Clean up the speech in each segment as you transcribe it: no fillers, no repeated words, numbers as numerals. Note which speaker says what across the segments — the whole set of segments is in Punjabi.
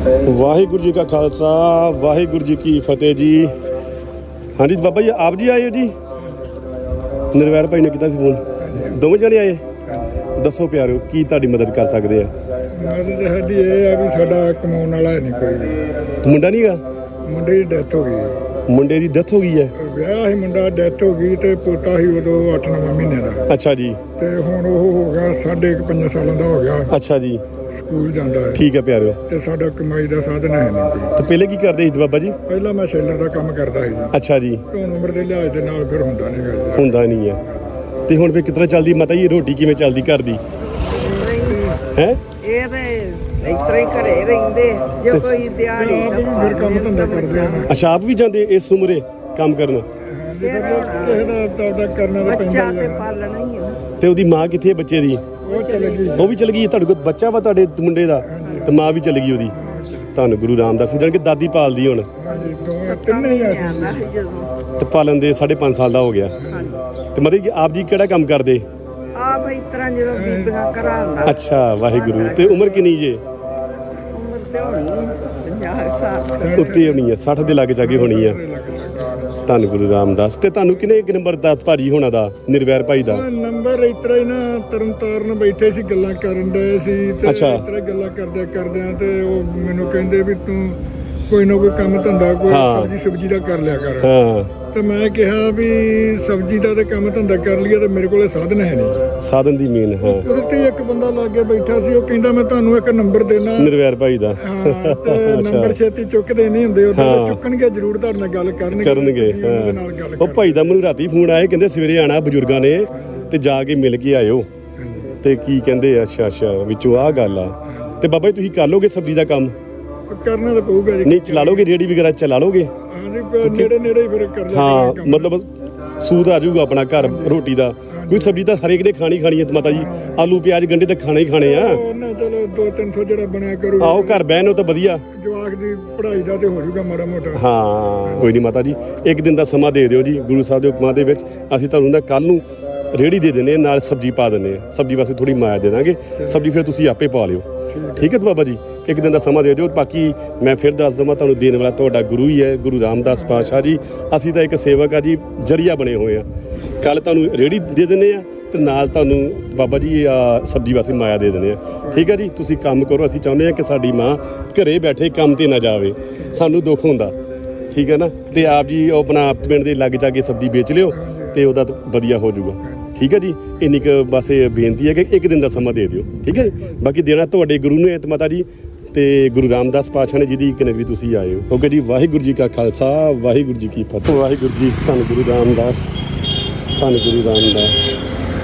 Speaker 1: ਵਾਹਿਗੁਰੂ ਜੀ ਕਾ ਖਾਲਸਾ ਵਾਹਿਗੁਰੂ ਜੀ ਕੀ ਫਤਿਹ ਜੀ। ਹਾਂਜੀ ਬਾਬਾ ਜੀ ਆਪ ਜੀ ਆਏ ਹੋ ਜੀ? ਨਿਰਵੈਰ ਭਾਈ ਨੇ ਕੀਤਾ ਸੀ ਫੋਨ। ਦੋਵੇਂ ਜਣੇ ਆਏ? ਦੱਸੋ ਪਿਆਰਿਓ ਕੀ ਤੁਹਾਡੀ ਮਦਦ ਕਰ ਸਕਦੇ ਆ?
Speaker 2: ਮਦਦ ਸਾਡੀ ਇਹ ਆ ਵੀ ਸਾਡਾ ਕਮਾਉਣ ਵਾਲਾ ਨਹੀਂ ਕੋਈ ਵੀ।
Speaker 1: ਮੁੰਡਾ ਨਹੀਂ ਗਾ?
Speaker 2: ਮੁੰਡੇ ਦੀ ਡੈਥ ਹੋ ਗਈ।
Speaker 1: ਮੁੰਡੇ ਦੀ ਡੈਥ ਹੋ ਗਈ ਹੈ?
Speaker 2: ਵਿਆਹ ਸੀ, ਮੁੰਡਾ ਡੈਥ ਹੋ ਗਈ ਤੇ ਪੋਤਾ ਸੀ ਉਦੋਂ 8-9 ਮਹੀਨੇ ਦਾ।
Speaker 1: ਅੱਛਾ ਜੀ।
Speaker 2: ਤੇ ਹੁਣ ਉਹ ਹੋ ਗਿਆ 5.5 ਸਾਲਾਂ ਦਾ ਹੋ ਗਿਆ।
Speaker 1: ਅੱਛਾ ਜੀ।
Speaker 2: ਸਕੂਲ ਜਾਂਦਾ ਹੈ।
Speaker 1: ਠੀਕ ਹੈ ਪਿਆਰਿਓ।
Speaker 2: ਤੇ ਸਾਡਾ ਕਮਾਈ ਦਾ ਸਾਧਨ ਹੈ ਨਹੀਂ ਕੋਈ।
Speaker 1: ਤੇ ਪਹਿਲੇ ਕੀ ਕਰਦੇ ਸੀ ਬਾਬਾ ਜੀ?
Speaker 2: ਪਹਿਲਾਂ ਮੈਂ ਸੇਲਰ ਦਾ ਕੰਮ ਕਰਦਾ ਸੀ ਜੀ।
Speaker 1: ਅੱਛਾ ਜੀ।
Speaker 2: ਹੁਣ ਉਮਰ ਦੇ ਲਿਹਾਜ਼ ਦੇ ਨਾਲ ਫਿਰ ਹੁੰਦਾ ਨਹੀਂ ਗਾ।
Speaker 1: ਹੁੰਦਾ ਨਹੀਂ ਹੈ। ਤੇ ਹੁਣ ਫਿਰ ਕਿਤਨਾ ਚੱਲਦੀ ਮਾਤਾ ਜੀ ਰੋਟੀ ਕਿਵੇਂ ਚੱਲਦੀ ਘਰ ਦੀ? ਹੈ
Speaker 3: ਇਹ ਤੇ ਇਤਰਾ ਹੀ ਘਰੇ ਰਹਿੰਦੇ ਜੇ ਕੋਈ ਦਿਹਾੜੀ
Speaker 2: ਫਿਰ ਕੰਮ ਧੰਦਾ ਕਰਦੇ ਆ।
Speaker 1: ਅੱਛਾ ਆਪ ਵੀ ਜਾਂਦੇ ਇਸ ਉਮਰੇ ਕੰਮ ਕਰਨ?
Speaker 2: ਕਿਸੇ ਦਾ ਕਰਨਾ ਤਾਂ
Speaker 3: ਬੱਚਾ
Speaker 2: ਪੈਂਦਾ
Speaker 3: ਤੇ
Speaker 2: ਹੀ ਆ।
Speaker 3: ਪਾਲਣਾ ਹੀ ਹੈ ਨਾ।
Speaker 1: ਤੇ ਉਹਦੀ ਮਾਂ ਕਿੱਥੇ ਹੈ ਬੱਚੇ ਦੀ?
Speaker 2: ਉਹ ਚਲੇ ਗਈ।
Speaker 1: ਉਹ ਵੀ ਚਲ ਗਈ? ਤੁਹਾਡੇ ਕੋਲ ਬੱਚਾ ਵਾ ਤੁਹਾਡੇ ਮੁੰਡੇ ਦਾ ਤੇ ਮਾਂ ਵੀ ਚਲ ਗਈ ਉਹਦੀ? ਤੁਹਾਨੂੰ ਗੁਰੂ ਰਾਮਦਾਸ ਜਾਣ ਕੇ ਦਾਦੀ ਪਾਲਦੀ ਹੁਣ?
Speaker 2: ਹਾਂਜੀ ਦੋਵੇਂ ਤਿੰਨੇ ਹੀ ਆ।
Speaker 3: ਆਉਂਦਾ ਸੀ ਜਦੋਂ
Speaker 1: ਤੇ ਪਾਲਣ ਦੇ 5.5 ਸਾਲ ਦਾ ਹੋ ਗਿਆ। ਤੇ ਮਤਲਬ ਕਿ ਆਪ ਜੀ ਕਿਹੜਾ ਕੰਮ ਕਰਦੇ?
Speaker 3: ਆਪ ਇਸ ਤਰ੍ਹਾਂ ਜਦੋਂ ਬੀਬੀਆਂ ਕਰਾਉਂਦਾ।
Speaker 1: ਅੱਛਾ ਵਾਹਿਗੁਰੂ। ਤੇ ਉਮਰ ਕਿੰਨੀ ਜੇ?
Speaker 3: ਉਮਰ ਤੇ ਹੋਣੀ 50 ਸਾਲ
Speaker 1: ਉੱਤੇ ਹੋਣੀ ਹੈ 60 ਦੇ ਲਾਗੇ ਜਾਗੇ ਹੋਣੀ ਆ। ਧੰਨ ਗੁਰੂ ਰਾਮਦਾਸ। ਤੇ ਤੁਹਾਨੂੰ ਕਿਨੇ ਇੱਕ ਨੰਬਰ ਦਾਤ ਭਾਜੀ ਹੋਣਾ ਦਾ ਨਿਰਵੈਰ ਭਾਈ ਦਾ
Speaker 2: ਨੰਬਰ ਇਤਰਾ ਹੀ ਨਾ ਤਰਨਤਾਰਨ ਬੈਠੇ ਸੀ ਗੱਲਾਂ ਕਰਨ ਡਏ ਸੀ ਤੇ
Speaker 1: ਅੱਛਾ।
Speaker 2: ਇਤਰਾ ਗੱਲਾਂ ਕਰਦਿਆਂ ਤੇ ਉਹ ਮੈਨੂੰ ਕਹਿੰਦੇ ਵੀ ਤੂੰ ਕੋਈ ਨਾ ਕੋਈ ਕੰਮ ਧੰਦਾ ਕੋਈ
Speaker 1: ਹਾਂ।
Speaker 2: ਸਬਜ਼ੀ ਦਾ ਕਰ ਲਿਆ ਕਰ।
Speaker 1: ਹਾਂ
Speaker 2: ਤੇ ਮੈਂ ਕਿਹਾ ਵੀ ਸਬਜ਼ੀ ਦਾ ਤੇ ਕੰਮ ਧੰਦਾ ਕਰ ਲਿਆ ਤੇ ਮੇਰੇ ਕੋਲੇ ਸਾਧਨ ਹੈ ਨਹੀਂ।
Speaker 1: ਸਾਧਨ ਦੀ ਮੇਨ। ਹਾਂ
Speaker 2: ਉਹਦੇ ਤੇ ਇੱਕ ਬੰਦਾ ਲਾਗੇ ਬੈਠਾ ਸੀ ਉਹ ਕਹਿੰਦਾ ਮੈਂ ਤੁਹਾਨੂੰ ਇੱਕ ਨੰਬਰ ਦੇਣਾ।
Speaker 1: ਨਿਰਵੈਰ ਭਾਈ ਦਾ?
Speaker 2: ਹਾਂ ਤੇ ਨੰਬਰ ਛੇਤੀ ਚੁੱਕਦੇ ਨਹੀਂ ਹੁੰਦੇ ਉਹਦਾ
Speaker 1: ਹਾਂ।
Speaker 2: ਚੁੱਕਣਗੇ ਜ਼ਰੂਰ ਤੁਹਾਡੇ ਨਾਲ ਗੱਲ ਕਰਨਗੇ
Speaker 1: ਕਰਨਗੇ।
Speaker 2: ਉਹਨਾਂ ਦੇ ਨਾਲ ਗੱਲ
Speaker 1: ਉਹ ਭਾਈ ਦਾ ਮੈਨੂੰ ਰਾਤੀ ਫੋਨ ਆਇਆ ਕਹਿੰਦੇ ਸਵੇਰੇ ਆਣਾ ਬਜ਼ੁਰਗਾਂ ਨੇ ਤੇ ਜਾ ਕੇ ਮਿਲ ਕੇ ਆਇਓ। ਤੇ ਕੀ ਕਹਿੰਦੇ? ਅੱਛਾ ਅੱਛਾ ਵਿੱਚੋਂ ਆਹ ਗੱਲ ਆ। ਤੇ ਬਾਬਾ ਜੀ ਤੁਸੀਂ ਕਰ ਲੋਗੇ ਸਬਜ਼ੀ ਦਾ ਕੰਮ?
Speaker 2: ਕਰਨਾ ਤਾਂ ਪਊਗਾ ਜੀ।
Speaker 1: ਨਹੀਂ ਚਲਾ ਲੋਗੇ ਰੇੜੀ ਵਗੈਰਾ ਚਲਾ ਲੋਗੇ?
Speaker 2: ਹਾਂਜੀ ਨੇੜੇ ਹੀ ਫਿਰ ਕਰ ਲਿਆ
Speaker 1: ਹਾਂ
Speaker 2: ਕਰਾਂਗੇ ਕੰਮ।
Speaker 1: ਮਤਲਬ ਸੂਦ ਆ ਜਾਊਗਾ ਆਪਣਾ ਘਰ ਰੋਟੀ ਦਾ। ਕੋਈ ਸਬਜ਼ੀ ਤਾਂ ਹਰੇਕ ਨੇ ਖਾਣੀ ਹੈ ਤੇ ਮਾਤਾ ਜੀ ਆਲੂ ਪਿਆਜ਼ ਗੰਢੇ ਤਾਂ ਖਾਣੇ ਹੀ ਖਾਣੇ ਆ।
Speaker 2: ਉਹਨਾਂ ਚਲੋ 200-300 ਜਿਹੜਾ ਬਣਿਆ ਕਰੂ।
Speaker 1: ਆਓ ਘਰ ਬਹਿਣ ਨੂੰ ਤਾਂ ਵਧੀਆ।
Speaker 2: ਜਵਾਕ ਦੀ ਪੜ੍ਹਾਈ ਦਾ ਤੇ ਹੋ ਜਾਊਗਾ ਮਾੜਾ ਮੋਟਾ।
Speaker 1: ਹਾਂ ਕੋਈ ਨਹੀਂ ਮਾਤਾ ਜੀ ਇੱਕ ਦਿਨ ਦਾ ਸਮਾਂ ਦੇ ਦਿਓ ਜੀ ਗੁਰੂ ਸਾਹਿਬ ਦੇ ਹੁਕਮਾਂ ਦੇ ਵਿੱਚ। ਅਸੀਂ ਤੁਹਾਨੂੰ ਨਾ ਕੱਲ ਨੂੰ ਰੇੜੀ ਦੇ ਦਿੰਦੇ ਨਾਲ ਸਬਜ਼ੀ ਪਾ ਦਿੰਦੇ ਆ। ਸਬਜ਼ੀ ਵਾਸਤੇ ਥੋੜੀ ਮਾਇਆ ਦੇ ਦਾਂਗੇ। ਸਬਜ਼ੀ ਫਿਰ ਤੁਸੀਂ ਆਪੇ ਪਾ ਲਿਓ। ਠੀਕ ਹੈ ਬਾਬਾ ਜੀ ਇੱਕ ਦਿਨ ਦਾ ਸਮਾਂ ਦੇ ਦਿਓ। ਬਾਕੀ ਮੈਂ ਫਿਰ ਦੱਸ ਦਵਾਂ ਤੁਹਾਨੂੰ ਦੇਣ ਵਾਲਾ ਤੁਹਾਡਾ ਗੁਰੂ ਹੀ ਹੈ ਗੁਰੂ ਰਾਮਦਾਸ ਪਾਤਸ਼ਾਹ ਜੀ। ਅਸੀਂ ਤਾਂ ਇੱਕ ਸੇਵਕ ਆ ਜੀ ਜਰੀਆ ਬਣੇ ਹੋਏ ਆ। ਕੱਲ ਤੁਹਾਨੂੰ ਰੇੜੀ ਦੇ ਦਿੰਦੇ ਆ ਤੇ ਨਾਲ ਤੁਹਾਨੂੰ ਬਾਬਾ ਜੀ ਸਬਜ਼ੀ ਵਾਸਤੇ ਮਾਇਆ ਦੇ ਦਿੰਦੇ ਆ। ਠੀਕ ਹੈ ਜੀ ਤੁਸੀਂ ਕੰਮ ਕਰੋ। ਅਸੀਂ ਚਾਹੁੰਦੇ ਆ ਕਿ ਸਾਡੀ ਮਾਂ ਘਰੇ ਬੈਠੇ ਕੰਮ ਤੇ ਨਾ ਜਾਵੇ। ਸਾਨੂੰ ਦੁੱਖ ਹੁੰਦਾ। ਠੀਕ ਹੈ ਨਾ। ਤੇ ਆਪ ਜੀ ਉਹ ਆਪਣਾ ਪਿੰਡ ਦੇ ਲਾਗੇ ਜਾ ਕੇ ਸਬਜ਼ੀ ਵੇਚ ਲਿਓ ਤੇ ਉਹਦਾ ਵਧੀਆ ਹੋ ਜਾਊਗਾ। ਠੀਕ ਹੈ ਜੀ ਇੰਨੀ ਕੁ ਬਸ ਇਹ ਬੇਨਤੀ ਹੈ ਕਿ ਇੱਕ ਦਿਨ ਦਾ ਸਮਾਂ ਦੇ ਦਿਓ। ਠੀਕ ਹੈ ਬਾਕੀ ਦੇਣਾ ਤੁਹਾਡੇ ਗੁਰੂ ਨੇ ਤੇ ਮਾਤਾ ਜੀ ਤੇ ਗੁਰੂ ਰਾਮਦਾਸ ਪਾਤਸ਼ਾਹ ਨੇ ਜਿਹਦੀ ਇੱਕ ਨਗਰੀ ਤੁਸੀਂ ਆਏ ਹੋ। ਓਕੇ ਜੀ ਵਾਹਿਗੁਰੂ ਜੀ ਕਾ ਖਾਲਸਾ ਵਾਹਿਗੁਰੂ ਜੀ ਕੀ ਫਤਿਹ। ਵਾਹਿਗੁਰੂ ਜੀ ਧੰਨ ਗੁਰੂ ਰਾਮਦਾਸ ਧੰਨ ਗੁਰੂ ਰਾਮਦਾਸ।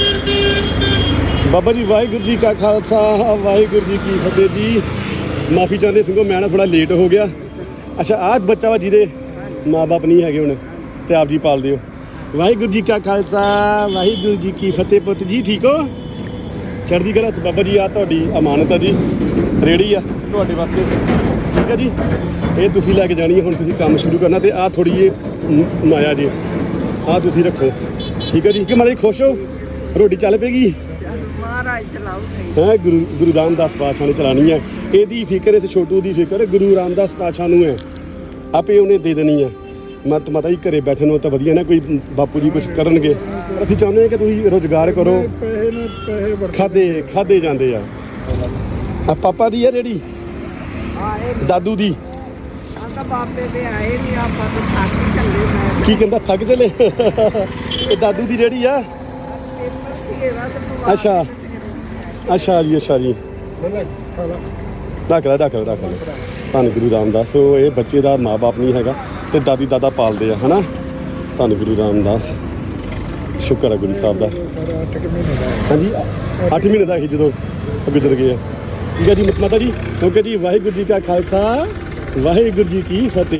Speaker 1: ਬਾਬਾ ਜੀ ਵਾਹਿਗੁਰੂ ਜੀ ਕਾ ਖਾਲਸਾ ਵਾਹਿਗੁਰੂ ਜੀ ਕੀ ਫਤਿਹ ਜੀ। ਮਾਫੀ ਚਾਹੁੰਦੇ ਸਿੰਘੋ ਮੈਂ ਨਾ ਥੋੜਾ ਲੇਟ ਹੋ ਗਿਆ। ਅੱਛਾ ਆਹ ਬੱਚਾ ਵਾ ਜਿਹਦੇ ਮਾਂ ਬਾਪ ਨਹੀਂ ਹੈਗੇ ਹੁਣ ਤੇ ਆਪ ਜੀ ਪਾਲਦੇ ਹੋ। ਵਾਹਿਗੁਰੂ ਜੀ ਕਾ ਖਾਲਸਾ ਵਾਹਿਗੁਰੂ ਜੀ ਕੀ ਫਤਿਹ। ਪੁੱਤ ਜੀ ਠੀਕ ਹੋ? ਚੜ੍ਹਦੀ ਕਲਾ। ਬਾਬਾ ਜੀ ਆ ਤੁਹਾਡੀ ਅਮਾਨਤ ਆ ਜੀ ਰੇੜੀ ਆ ਤੁਹਾਡੇ ਵਾਸਤੇ। ਠੀਕ ਹੈ ਜੀ ਇਹ ਤੁਸੀਂ ਲੈ ਕੇ ਜਾਣੀ ਹੈ। ਹੁਣ ਤੁਸੀਂ ਕੰਮ ਸ਼ੁਰੂ ਕਰਨਾ ਤੇ ਆਹ ਥੋੜੀ ਜਿਹੀ ਮਾਇਆ ਜੀ ਆਹ ਤੁਸੀਂ ਰੱਖੋ। ਠੀਕ ਹੈ ਜੀ ਕਿ ਮਾਰੇ ਖੁਸ਼ ਹੋ? ਰੋਟੀ ਚੱਲ ਪਏਗੀ?
Speaker 3: ਮਹਾਰਾਜ ਚਲਾਉਗੇ।
Speaker 1: ਹੈ ਗੁਰੂ ਰਾਮਦਾਸ ਪਾਤਸ਼ਾਹ ਨੇ ਚਲਾਉਣੀ ਹੈ। ਇਹਦੀ ਫਿਕਰ ਇਸ ਛੋਟੂ ਦੀ ਫਿਕਰ ਗੁਰੂ ਰਾਮਦਾਸ ਪਾਤਸ਼ਾਹ ਨੂੰ ਹੈ। ਆਪੇ ਉਹਨੇ ਦੇ ਦੇਣੀ ਹੈ। ਮਾਤਾ ਜੀ ਘਰੇ ਬੈਠੇ ਨੂੰ ਤਾਂ ਵਧੀਆ ਨਾ ਕੋਈ ਬਾਪੂ ਜੀ ਕੁਝ ਕਰਨਗੇ। ਅਸੀਂ ਚਾਹੁੰਦੇ ਹਾਂ ਕਿ ਤੁਸੀਂ ਰੁਜ਼ਗਾਰ ਕਰੋ।
Speaker 2: ਪੈਸੇ
Speaker 1: ਖਾਦੇ ਜਾਂਦੇ ਆ। ਪਾਪਾ ਦੀ ਆ ਜਿਹੜੀ
Speaker 3: ਆਏ
Speaker 1: ਦਾਦੂ ਦੀ
Speaker 3: ਆਂਦਾ ਬਾਪੇ ਦੇ ਆਏ ਨਹੀਂ ਆਪਾਂ ਤਾਂ ਥੱਕ ਚੱਲੇ। ਮੈਂ
Speaker 1: ਕੀ ਕਹਿੰਦਾ ਥੱਕ ਚਲੇ? ਇਹ ਦਾਦੂ ਦੀ ਜਿਹੜੀ ਆ?
Speaker 3: ਪੇਪਰ ਸੀ ਇਹਦਾ ਤੇ
Speaker 1: ਅੱਛਾ ਅੱਛਾ ਜੀ ਅੱਛਾ ਜੀ ਰੱਖ ਲੈ ਧੰਨ ਗੁਰੂ ਰਾਮਦਾਸ। ਇਹ ਬੱਚੇ ਦਾ ਮਾਂ-ਬਾਪ ਨਹੀਂ ਹੈਗਾ ਤੇ ਦਾਦੀ ਦਾਦਾ ਪਾਲਦੇ ਆ ਹਨਾ। ਧੰਨ ਗੁਰੂ ਰਾਮਦਾਸ ਸ਼ੁਕਰ ਹੈ ਗੁਰੂ ਸਾਹਿਬ ਦਾ। ਹਾਂਜੀ 8 ਮਹੀਨੇ ਦਾ ਸੀ ਜਦੋਂ ਗੁਜ਼ਰ ਗਏ ਆ। ਠੀਕ ਹੈ ਜੀ ਮਾਤਾ ਜੀ ਓਕੇ ਜੀ ਵਾਹਿਗੁਰੂ ਜੀ ਕਾ ਖਾਲਸਾ ਵਾਹਿਗੁਰੂ ਜੀ ਕੀ ਫਤਿਹ।